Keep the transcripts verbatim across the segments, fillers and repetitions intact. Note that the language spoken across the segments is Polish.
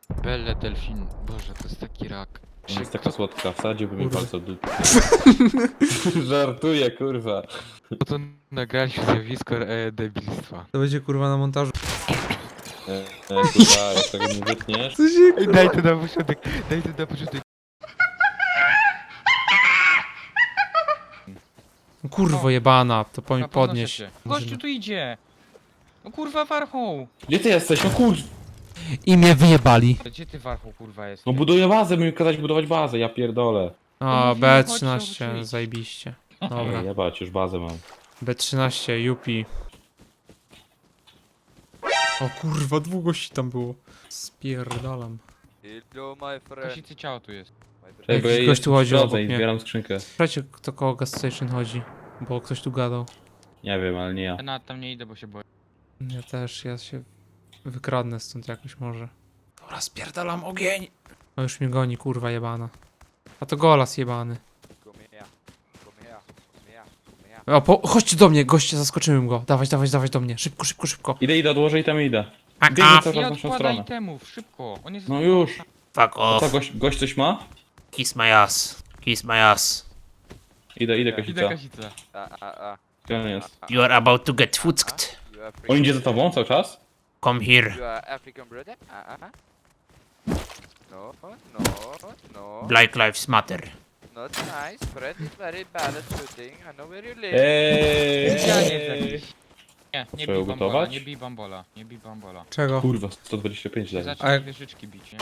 Belle Delfin. Boże, to jest taki rak. Ona jest taka słodka, wsadziłbym jej Kurwa. palce od dupy. Żartuję, kurwa. Po to nagraliśmy zjawisko e, debilstwa. To będzie kurwa na montażu. E, e, kurwa, jak tego nie wytniesz. Co się Ej, daj to na początek, daj to na początek. Kurwo jebana, to po mi Dobra, podnoszę podnieś. cię. Może- Gościu tu idzie! No kurwa warchoł! Gdzie ty jesteś? No kurwa. I mnie wyjebali. Gdzie ty warchoł kurwa jest? No buduję bazę, mi kazać budować bazę, ja pierdolę. O, mówiłem, B chodź, trzynaście, zobaczyć. zajebiście. Ej, Dobra. jebać, już bazę mam. B trzynaście, Yupi. O kurwa, dwóch gości tam było. Spierdalam. Hello, my friend. Kosicy ciało tu jest. My friend. Ej, bo Jakiś ja gość jestem tu chodzi w drodze obok i mnie. zbieram skrzynkę. Słuchajcie, kto koło gas station chodzi. Bo ktoś tu gadał. Nie wiem, ale nie ja. Ja nawet tam nie idę, bo się boję. Ja też, ja się wykradnę stąd jakoś może. Dobra, spierdalam ogień! No już mnie goni, kurwa jebana. A to golas jebany. Come here. Come here. Come here. Come here. O, po, chodźcie do mnie, goście, zaskoczyłem go. Dawać, dawać, dawać do mnie. Szybko, szybko, szybko. Idę, idę, odłożę i tam idę. A, Biegnę a, cały Nie czas w naszą odkładaj stronę. temów, szybko! On jest... No już. fuck A co, off. gość, gość coś ma? Kiss my ass. Kiss my ass. Idę, idę, Idę Kasica. Kasica. Ah, ah, ah. Gdzie on jest? You are about to get fucked. You are On idzie African. za tobą cały czas? Come here. You are African brother? Ah, ah, ah. No, no, no. Black lives matter. Not nice. Fred is very bad at shooting. I know where you live. Eee! Specjalnie jest jakiś. Nie, nie Trzeba bij bambola, gotować? nie bij bambola, nie bij bambola. Czego? Kurwa, sto dwadzieścia pięć leży. Zacznij jak- wieżyczki bić, nie?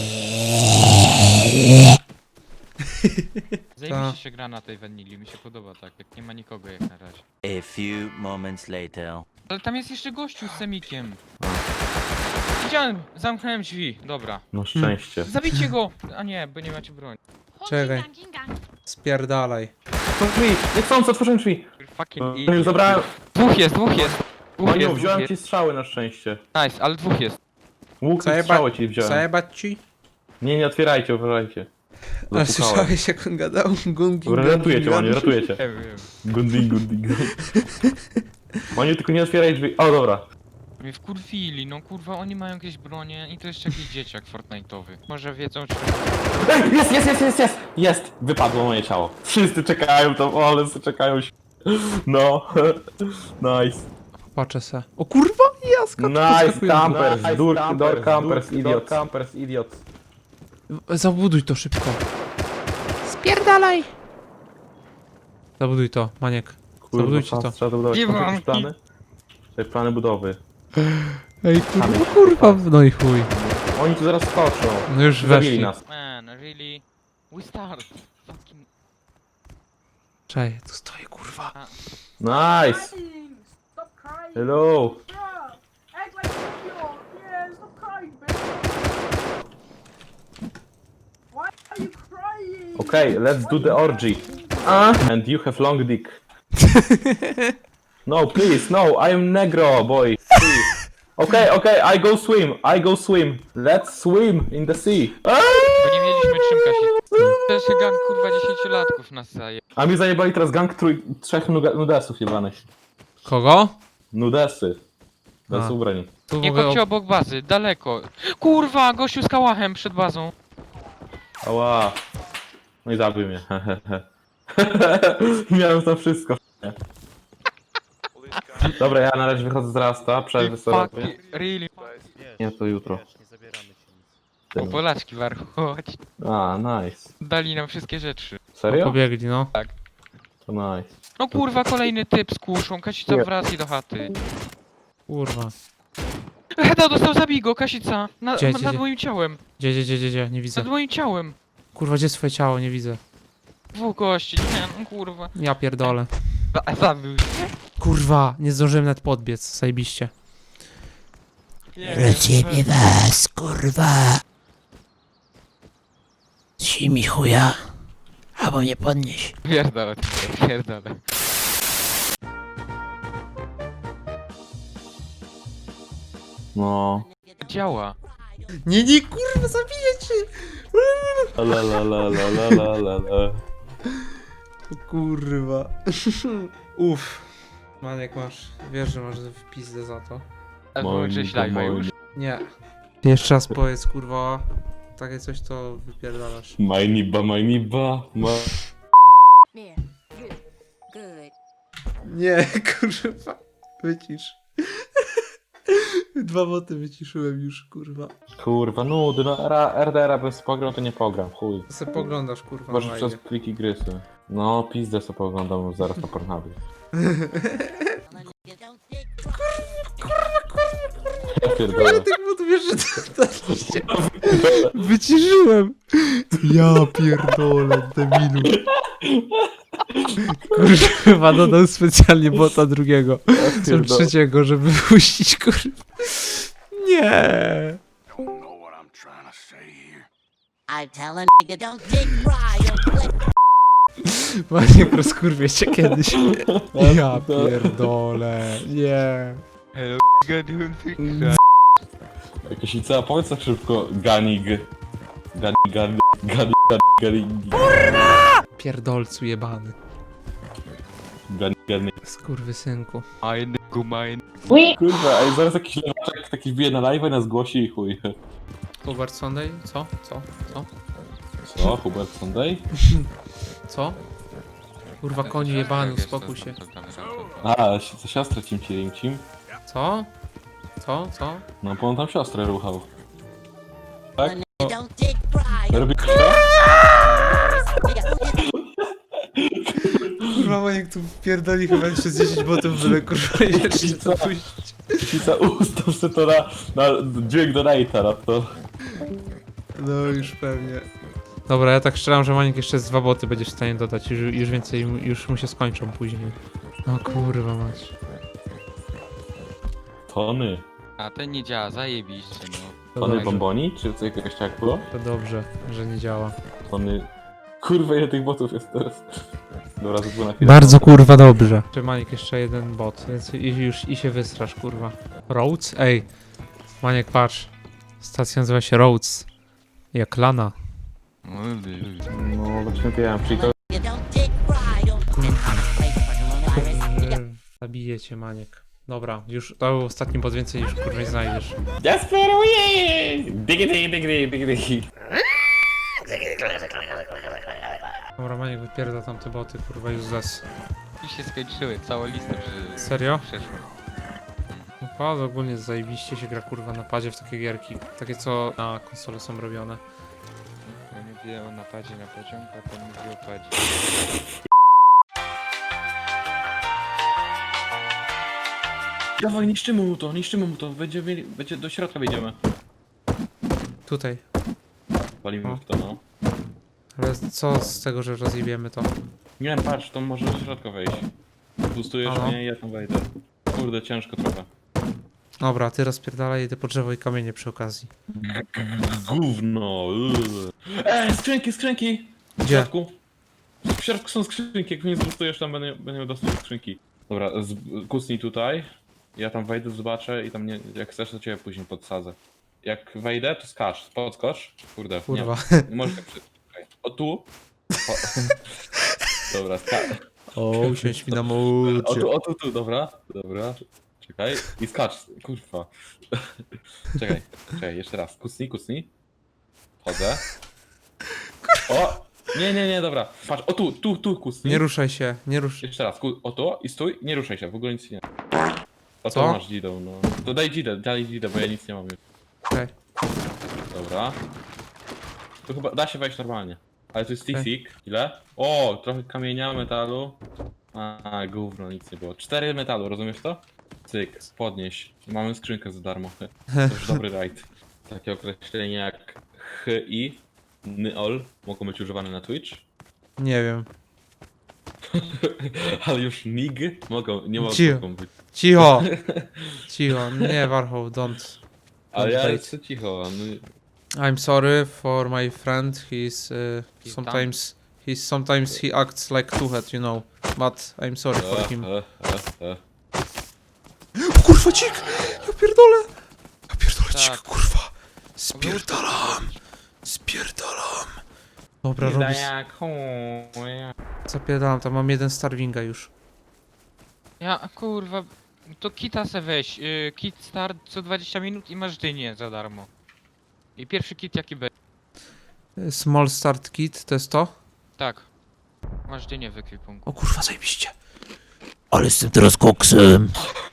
Ta. Zajebiście się gra na tej wanili, mi się podoba tak, jak nie ma nikogo jak na razie. A few moments later. Ale tam jest jeszcze gościu z semikiem. Widziałem, zamknąłem drzwi, dobra. No szczęście. Zabijcie go! A nie, bo nie macie broni. Czekaj. Spierdalaj. Otwórz drzwi! Niechcący, otworzyłem drzwi! Fucking No, idiot. już zabrałem. Dwóch jest, dwóch jest. Dwóch Maniu, jest, dwóch wziąłem jest. ci strzały na szczęście. Nice, ale dwóch jest. Łuk i Zajeba- strzały ci wziąłem. Zajebać ci? Nie, nie otwierajcie, uważajcie. A Zapukałem. słyszałeś jak on gadał? Gungi, Dobra, ratuję cię, Maniu, ratuję cię. Nie wiem. Gunding, gunding. Maniu, tylko nie otwieraj drzwi. O, dobra. Mnie wkurwili, no kurwa, oni mają jakieś bronie i to jeszcze jakiś dzieciak Fortnite'owy. Może wiedzą, czy... Ej, jest, jest, jest, jest, jest! Jest! Wypadło moje ciało. Wszyscy czekają tam, o, ale wszyscy czekają się. No. Nice. Patrzę se. O kurwa, jaska! Nice, campers, door, door campers, idiot. Campers, idiot. Zabuduj to szybko. Spierdalaj! Zabuduj to, Maniek. Zabudujcie to. Trzeba zabudować. Nie Masz mam. jakieś plany? Te plany budowy. Ej kurwa, kurwa, no i chuj. Oni tu zaraz skoczą. No już Zabili weszli. nas. Man, really? We start. Fucking... Czekaj, tu stoję kurwa. Nice. Stop crying, Hello. bro. Act like you're yeah. Stop crying, bitch. Why are you crying? Okay, let's do the orgy. Ah, and you have long dick. No, please, no, I am negro, boy. Please. Okay, okay, I go swim, I go swim. Let's swim in the sea. Ah! Bo nie mieliśmy czym kasić. To jest gang kurwa dziesięciolatków nas zaje. A mi zajebali teraz gang trój, trzech nuga- nudesów jebanych. Kogo? Nudesy. Bez A. ubrań. Tu w Nie ogóle chodźcie o... obok bazy, daleko. Kurwa, gościu z kałachem przed bazą. Ała. No i zabił mnie. Miałem tam wszystko. Dobra, ja na razie wychodzę z Rasta, przerwy sobie Fuck, robię. really? Nie, to jutro. O, Polaczki warchu, chodź. A, nice. Dali nam wszystkie rzeczy. Serio? Pobiegli, no. To nice. No kurwa, kolejny typ z kuszą. Kasica Nie. wraca do chaty. Kurwa. Heda dostał, zabij go, Kasica. Na, Gdzie, nad gdzie, gdzie? moim ciałem. Gdzie, gdzie, gdzie, gdzie, gdzie? Nie widzę. Nad moim ciałem. Kurwa, gdzie jest twoje ciało? Nie widzę. Dwóch gości, nie, no kurwa. Ja pierdolę. Za- Zabił się. Kurwa, nie zdążyłem nawet podbiec, zajebiście. Nie, Ciebie was, kurwa. Si mi chuja. Albo mnie podnieś. Pierdolę, pierdolę. No. Działa. Nie, nie, kurwa, zabiję cię! La la la la la la la la. O kurwa. Uff. Maniek, masz, wiesz, że masz w pizdę za to. A wyłączyłeś live'a już? Nie. Jeszcze raz powiedz, kurwa. Takie coś to wypierdalasz. Majniba, majniba, ma... Yeah, good, good. Nie, kurwa. Wycisz. Dwa boty wyciszyłem już, kurwa. Kurwa, nudy, no ra- R D R-a bez pogram to nie pogram, chuj. To se poglądasz, kurwa, Może na przez live. pliki gry sobie. No, pizdę sobie poglądam zaraz na Pornhubie. Ja pierdolę. Tych botów jeszcze daliście. Wyciszyłem. Ja pierdolę, debilu. Kurwa, dodał specjalnie bota drugiego. Są pierdolę. trzeciego, żeby puścić, kurwa. Nie. I tell a nigga don't dick ride or flip. Maniek rozkurwie cię kiedyś. Ja pierdolę. Nie. Hello, gadun, Jakaś ica, powiedz tak szybko, ganig. Ganig, ganig, ganig, ganig, Pierdolcu jebany. ganig, ganig. Skurwysynku. Ein Gumain. Kurwa, a zaraz jakiś lewaczek taki wbije na live i nas głosi i chuj. Hubert Sunday? Co? Co? Co? Co, Hubert Sunday? Co? Kurwa koni jebany, uspokój się. A, si- co siostrę cimci rimcim? Co? Co? Co? No, bo on tam siostrę ruchał. Tak? A nigga don't dick ride or Robi to? Kurwa Maniek tu pierdoli chyba jeszcze z dziesięć botów byle kurwa jeszcze to puścić. Cica ustaw se to na, na dźwięk do Nate'a, na to. No już pewnie. Dobra, ja tak strzelam, że Maniek jeszcze z dwa boty będziesz w stanie dodać. Już, już więcej, mu- już mu się skończą później. No kurwa mać. Tony. A ten nie działa, zajebiście, no. To Tony dobrze, bomboni? Czy co jakiegoś tak było? to dobrze, że nie działa. Tony... Kurwa, ile tych botów jest teraz? Dobra, to było na chwilę. Bardzo kurwa dobrze. Czy Maniek jeszcze jeden bot, więc i, już i się wystrasz kurwa. Rhodes? Ej. Maniek patrz. Stacja nazywa się Rhodes. Jak lana. No, właśnie wiem, czyli to... nigga don't dick ride or flip. Like fucking Long Island. Nigga, Zabiję cię Maniek. Dobra, już to był ostatni bot, więcej już kurwa nie znajdziesz. Desperuję! Digi, digi, digi, digi, digi. Dobra Maniek wypierda tam te boty kurwa useless. I się skończyły, cała lista że Serio? przeszła. Naprawdę ogólnie zajebiście się gra kurwa na padzie w takie gierki. Takie co na konsole są robione. Ja mówię o napadzie na pociąg, a pan mówi o padzie. Dawaj, niszczymy mu to, niszczymy mu to, będzie, mieli- będzie do środka wejdziemy. Tutaj. Walimy O. w to, no. Ale co z tego, że rozjebiemy to? Nie wiem, patrz, to może do środka wejść. Boostujesz Aha. mnie i ja tam wejdę. Kurde, ciężko trochę. Dobra, ty rozpierdalaj, idę po drzewo i kamienie przy okazji. Gówno. Eee, skrzynki, skrzynki! W Gdzie? środku. W środku są skrzynki, jak mnie zboostujesz, tam będę, będę miał dostęp do skrzynki. Dobra, z, kucnij tutaj. Ja tam wejdę, zobaczę i tam nie, jak chcesz, to ciebie później podsadzę. Jak wejdę, to skacz, podskocz. Kurde, Kurwa. nie, nie możesz tak przy... Czekaj. O tu. O. Dobra, skacz. O, usiądź mi na O mocie. tu, o tu, tu, dobra, dobra. Czekaj. I skacz, kurwa. Czekaj, czekaj, jeszcze raz. Kucnij, kucnij. Chodzę. O! Nie, nie, nie, dobra. Patrz, o tu, tu, tu kucnij. Nie ruszaj się, nie rusz. Jeszcze raz, ku... o tu i stój, nie ruszaj się, w ogóle nic nie. O Co? to masz dzidę, no. To daj dzidę, daj dzidę, bo ja nic nie mam już. Okej. Dobra. Tu chyba da się wejść normalnie. Ale to jest Okej. T-Sik. Ile? O, trochę kamienia, metalu. A, gówno, nic nie było. Cztery metalu, rozumiesz to? Cyk, podnieś. Mamy skrzynkę za darmo. To już dobry rajd. Takie określenia jak H I, N-O-L mogą być używane na Twitch. Nie wiem. Ale już N I G mogą, nie Cicho. mogą być. Cicho! Cicho, nie Warhol, don't. Ale ja Wait. jestem cicho. No, I'm sorry for my friend, he's uh, He's sometimes... He's sometimes he acts like two-head, you know. But I'm sorry for him. e, e, e. Kurwa dzik! Ja pierdolę! Ja pierdolę Tak. dzik, kurwa! Spierdalam! Spierdalam! Dobra, robię... jak chuj. Zapierdalam, tam mam jeden Starwinga już. Ja, kurwa, to kita se weź, y, kit start co dwadzieścia minut i masz dynię za darmo. I pierwszy kit jaki będzie. Small start kit, to jest to? Tak. Masz dzień w ekwipunku. O kurwa, zajebiście. Ale jestem teraz koksem.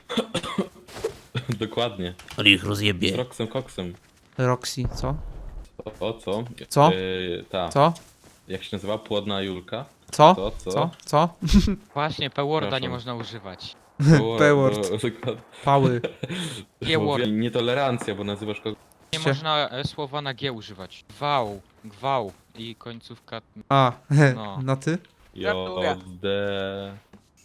Dokładnie. Ale ich Z rozjebie. Roxem Coxem. Roxy, co? O, o co? Co? Yy, ta. Co? Jak się nazywa? Płodna Julka? Co? Co? Co? Co? Co? Właśnie, P-Worda nie Przepraszam. można używać. Było- P-word. było- dokładnie. Pały. G-word. Nietolerancja, bo nazywasz kogoś. Nie Cie- można e, słowa na G używać. Gwał, gwał i końcówka. A, No. na ty? Gratuluję. Jodę.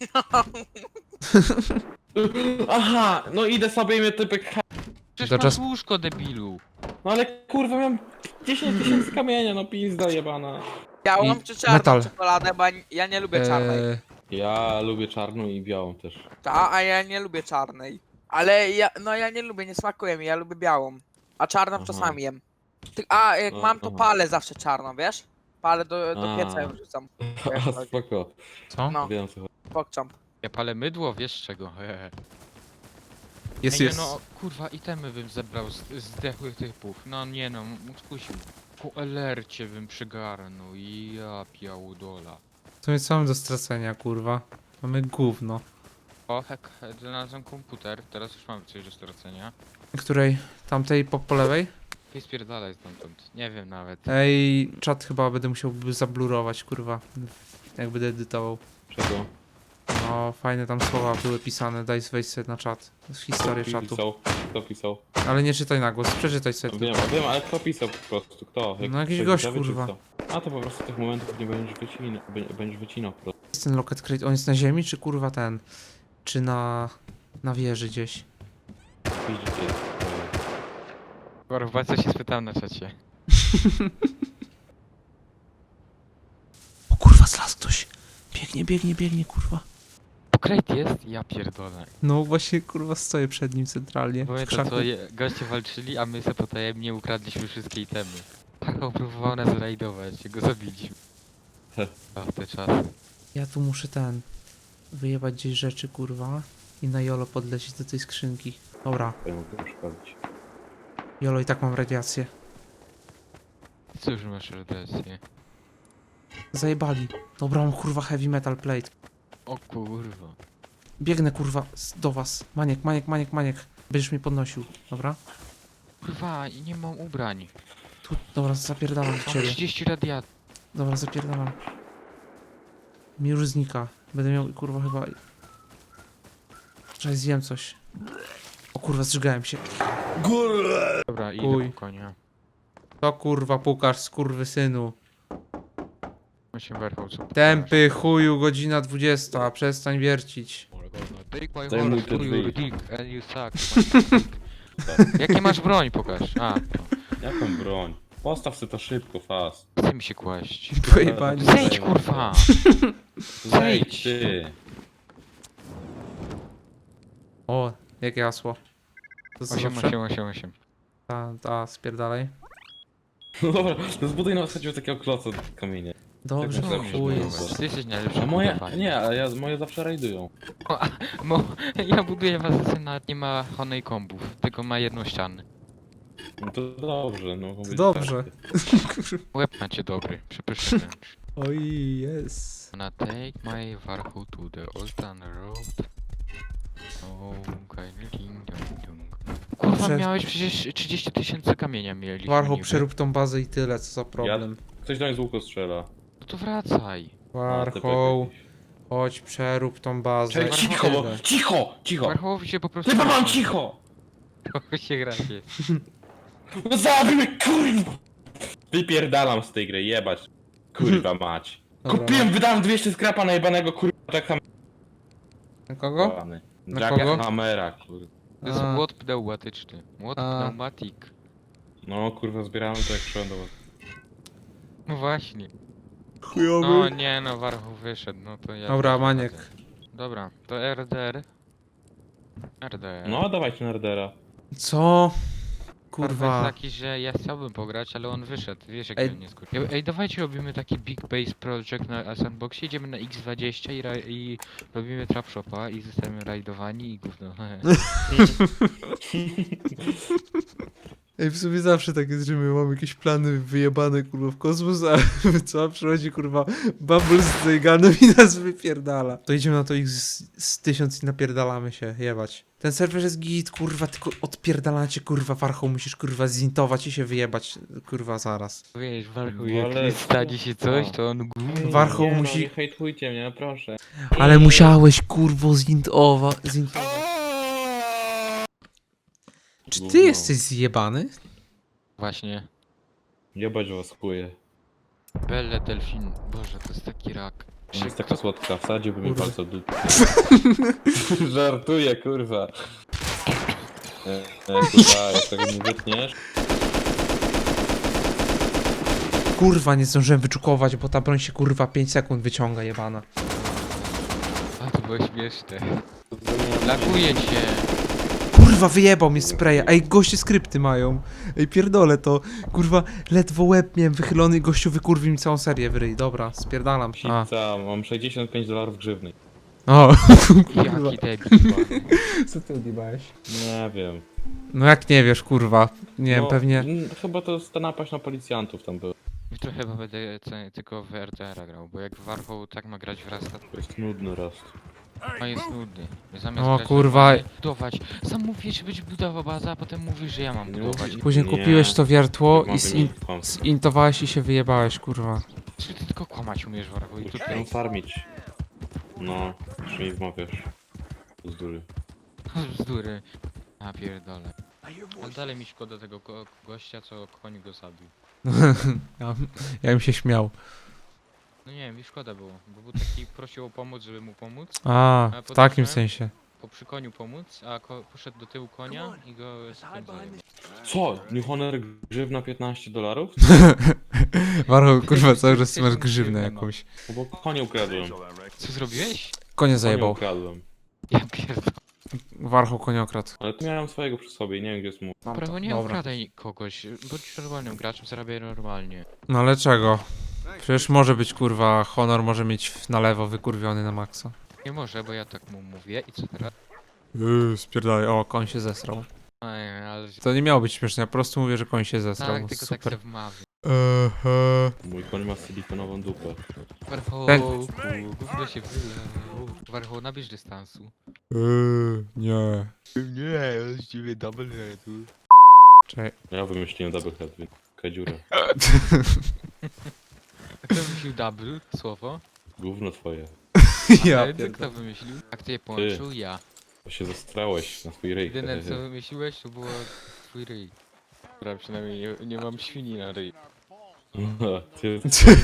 Aha, no idę sobie i mnie typek. Przecież To masz czas- łóżko, debilu. No ale kurwa, mam dziesięć tysięcy kamienia, no pizda jebana. Białą I czy czarną metal. czekoladę, bo ja- ja nie lubię czarnej. Eee, Ja lubię czarną i białą też. Ta, a ja nie lubię czarnej. Ale ja, no ja nie lubię, nie smakuje mi, ja lubię białą. A czarną Aha. czasami jem. Ty, a jak No, mam to aha. palę zawsze czarną, wiesz? Palę do, do A. pieca ją wrzucam. A spoko, co? No, wiem co chodzi. pokczam. Ja palę mydło, wiesz z czego. Hehe. Jest, Ej, nie jest. no, kurwa, itemy bym zebrał z zdechłych typów. No nie no, m- skusił. Po elercie bym przygarnął i ja piałudola. To jest co do stracenia, kurwa. Mamy gówno. O, hek, znalazłem komputer, teraz już mamy coś do stracenia. Której? Tamtej po, po lewej? I spierdalaj stamtąd. Nie wiem nawet. Ej, czat chyba będę musiał by zablurować, kurwa. Jak będę edytował. Czego? No, fajne tam słowa były pisane, daj wejść sobie na czat. To jest historia Kto czatu. pisał? Kto pisał? Ale nie czytaj na głos, przeczytaj sobie Wiem, tylko. wiem, ale kto pisał po prostu? Kto? Jak No jakiś ktoś gość, widzowie, czy kurwa. co? A to po prostu tych momentów nie będziesz wycinał, bę- będziesz wycinał po prostu. Jest ten locket crate, on jest na ziemi, czy kurwa ten? Czy na... na wieży gdzieś? Widzicie. Kurwa, co się spytałem na czacie. O kurwa, zlazł ktoś. Biegnie, biegnie, biegnie, kurwa. Pokrejt jest? Ja pierdolę. No właśnie, kurwa, stoję przed nim centralnie. w Pamiętam krzaku. co je, goście walczyli, a my sobie potajemnie ukradliśmy wszystkie itemy. Paweł próbował nas zrajdować, go zabiliśmy. A te czasy. Ja tu muszę ten... wyjebać gdzieś rzeczy, kurwa. I na Jolo podlecieć do tej skrzynki. Dobra, Ja mogę przeszkodzić. Jolo, i tak mam radiację. Cóż masz radiację? Zajebali. Dobra, mam kurwa heavy metal plate. O kurwa. Biegnę kurwa z- do was. Maniek, maniek, maniek, maniek. Będziesz mnie podnosił, dobra? Kurwa, i nie mam ubrań. Tu, dobra, zapierdalam do Mam ciebie. trzydzieści radiat. Dobra, zapierdalam. Mi już znika. Będę miał kurwa chyba... Czekaj, zjem coś. O kurwa, zżygałem się. Dobra, idę Uj. po konia. To kurwa pukasz, skurwysynu. My się werchał, co Tępy chuju, godzina dwudziesta. Przestań wiercić. Take my Zajmuj horse te to your drzwi. dick and you suck my dick. Jakie masz broń, pokaż. A, to. Jaką broń? Postaw sobie to szybko, fast. Chce mi się kłaść. Pojebani. Zejdź, kurwa! Zejdź ty! O, jakie hasło. To co osiem, zawsze? osiem, osiem, osiem. Ta, ta, spierdalaj. No dobra, no zbuduj na zasadzie takiego kloca kamienia. Dobrze, Tak, tak, chuj tak. jest. Ty jesteś najlepszy. A moje, budowlany. nie, ale ja, moje zawsze rajdują. Mo, ja buduję was, nawet nie ma honej kombów, tylko ma jedną ścianę. No to dobrze, no. mogą być Dobrze. takie. Łeb macie dobry, przepyszny wręcz. Oj, jest. Gonna take my warhu to the old town road. Oh, kind ding dong dong. Kurwa, Dobrze. miałeś przecież trzydzieści tysięcy kamienia mieli. Warho, przerób tą bazę i tyle, co za problem. Ktoś do mnie z łuku strzela. No to wracaj. A, typek Warho, jakiś. chodź, przerób tą bazę. Czekaj, i cicho, tyle. cicho, cicho! Warhołowi się po prostu... Ty mam cicho! Trochę się gracie. No zabij mnie, kurwa! Wypierdalam z tej gry, jebać. Kurwa mać. Dobra, Kupiłem, wydałem dwieście skrapa na jebanego kurwa Jackhammera. Na kogo? Na kogo? Jackhammera, kurwa. To jest A. młot pneumatyczny. Młot A. pneumatik. No kurwa, zbierałem to jak szedłem do was. No właśnie. Chujowy. No nie no, Warhoł wyszedł, no to ja... Dobra, też Maniek. wychodzę. Dobra, to R D R. R D R. No dawajcie Nerdera. Co? Kurwa. Kurwa. jest taki, że ja chciałbym pograć, ale on wyszedł, wiesz jak Ej. on nie skurczył. Ej, ej, dawajcie robimy taki Big Base Project na Sandboxie, idziemy na X dwadzieścia i, ra- i robimy Trap Shopa i zostajemy rajdowani i gówno. Ej, w sumie zawsze tak jest, że my mamy jakieś plany wyjebane, kurwa, w kosmos, a co? Przychodzi, kurwa, Bubble z Zejganem i nas wypierdala. To idziemy na to ich z, z tysiąc i napierdalamy się, jebać. Ten serwer jest git, kurwa, tylko odpierdalacie, kurwa, Warchoł, musisz, kurwa, zintować i się wyjebać, kurwa, zaraz. Wiesz, Warchoł, No jak ale- stanie się coś, O. to on gówno. Warchoł nie, musi- No, nie hejtujcie mnie, proszę. Ale musiałeś, kurwo, zintować. zintować. Czy ty Gówno. jesteś zjebany? Właśnie. Jebać was chuje. Belle Delfin. Boże, to jest taki rak. Ona jest taka słodka, wsadziłbym mi Kurwa. palce w dupę. Żartuję, kurwa. E, e, kurwa, jak tego nie wytniesz. Kurwa, nie zdążyłem wyczukować, bo ta broń się, kurwa, pięć sekund wyciąga, jebana. A, to było śmieszne. Lakuje cię. Kurwa, wyjebał mnie spraya. Ej, goście skrypty mają. Ej, pierdolę to. Kurwa, ledwo łeb miałem wychylony, gościu wykurwił mi całą serię w ryj. Dobra, spierdalam. A. Pizza, mam sześćdziesiąt pięć dolarów grzywny. O, kurwa. Jaki debil. Co ty odjebałeś? Nie wiem. No jak nie wiesz, kurwa. Nie wiem, No, pewnie... mm, Chyba to jest ta napaść na policjantów tam była. Jutro chyba będę ce- tylko w R T R grał, bo jak Warchoł tak ma grać w Rasta, To jest nudny raz. to jest nudny. Zamiast O, grać kurwa. normalnie, budować. Sam mówisz, że będzie budował bazę, a potem mówisz, że ja mam Nie budować. mówi- Później Nie. kupiłeś to wiertło Jak i mam zin... wymienić kłamstwo? zintowałeś i się wyjebałeś, kurwa. Czy ty tylko kłamać umiesz, Warchoł? I Chcę tutaj farmić. No, czy mi wmawiasz. Bzdury. bzdury. A pierdolę. Ale dalej mi szkoda tego go gościa, co koń go zabił. ja, ja bym się śmiał. No nie wiem, mi szkoda było, bo był taki, prosił o pomoc, żeby mu pomóc. A, A w potem takim co? sensie. Po przy koniu pomóc, a ko poszedł do tyłu konia i go spędzałem. Co? New Honor grzywna piętnaście dolarów? Warchoł, kurwa, cały czas Jesteś masz tym grzywnę grzywem, no. jakąś. No bo konie ukradłem. Co zrobiłeś? Konie Konie zajebał. ukradłem. Ja pierdolę. Warchoł koniokradł. Ale tu miałem swojego przy sobie i nie wiem gdzie jest mój. Prawo nie Dobra. okradaj kogoś, bądź normalnym graczem, zarabiaj normalnie. No ale czego? Przecież może być, kurwa, honor może mieć na lewo wykurwiony na maksa. Nie może, bo ja tak mu mówię i co teraz? Yy, spierdalaj. O, koń się zesrał. Ej, ale... To nie miało być śmieszne, ja po prostu mówię, że koń się zesrał. Tak, tylko tak Super. se wmawiam. Ehe. Mój koń ma silikonową dupę. Warchoł, Ten- gówno się wylał. Warchoł, nabierz dystansu. Yy, nie. Nie, z ciebie double headu. Czekaj. Ja wymyśliłem double head, więc kadziurę. A kto wymyślił double słowo? Gówno twoje. Ja Ale pierdolę. kto wymyślił? A kto je połączył? Ja. Bo się zastrałeś na swój ryj. Jedyne co wymyśliłeś to było twój ryj. Dobra, przynajmniej nie, nie mam świni na ryj. Ty...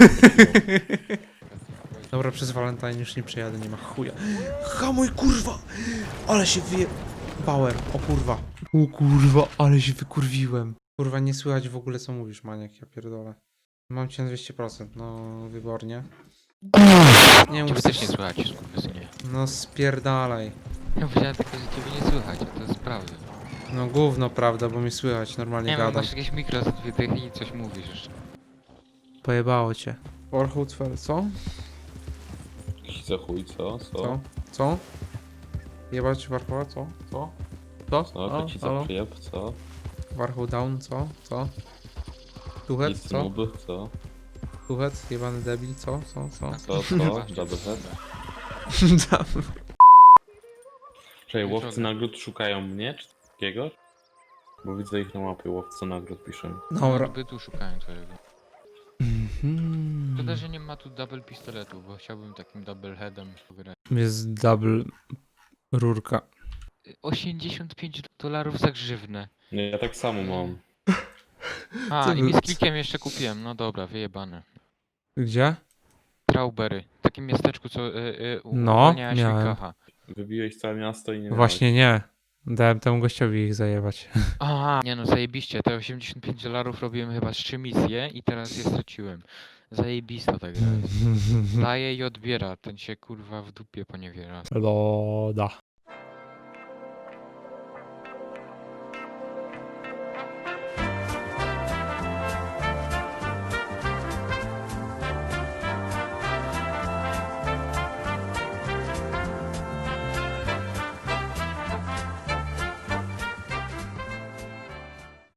Dobra, przez Valentine już nie przejadę, nie ma chuja. Hamuj, kurwa! Ale się wyje... Power, o kurwa. O kurwa, ale się wykurwiłem. Kurwa, nie słychać w ogóle co mówisz, maniak, ja pierdolę. Mam cię na dwieście procent, no wybornie. Nie mów Ciebie też nie coś- słychać, skurwysynie. No spierdalaj. Ja powiedziałem tylko, że ciebie nie słychać, a to jest prawda. No gówno, prawda, bo mi słychać, normalnie Nie wiem, gadam. masz jakieś mikro za dwie dychy i coś mówisz jeszcze. Pojebało cię. Warhołcwer, co? Co chuj, co? Co? Co? Co? Jebać Warhoła, co? Co? Co? Co? O, To ci halo? za przyjeb, co? Warhoł down, co? Co? Tuchet, Nic co? nuby, co? Tuchet, jebany debil, co? Co? Co? Co? Co? Double head? Czekaj, łowcy nagród szukają mnie, czy takiego? Bo widzę ich na mapie, łowcy nagród piszę. Dobra. By tu szukałem twojego. Mhm. Szkoda, że nie ma tu double pistoletu, bo chciałbym takim double headem grać. Jest double rurka. osiemdziesiąt pięć dolarów za grzywnę. Nie, ja tak samo mam. A, Co i wy- mi z klikiem jeszcze kupiłem, no dobra, wyjebane. Gdzie? Traubery, w takim miasteczku, co y, y, No, uwalnia miałem. Świnkacha. Wybiłeś całe miasto i nie Właśnie nie. Dałem temu gościowi ich zajebać. A, nie no, zajebiście, te osiemdziesiąt pięć dolarów robiłem chyba z trzy misje i teraz je straciłem. Zajebista ta gra jest. Daje i odbiera, ten się kurwa w dupie poniewiera. Loda.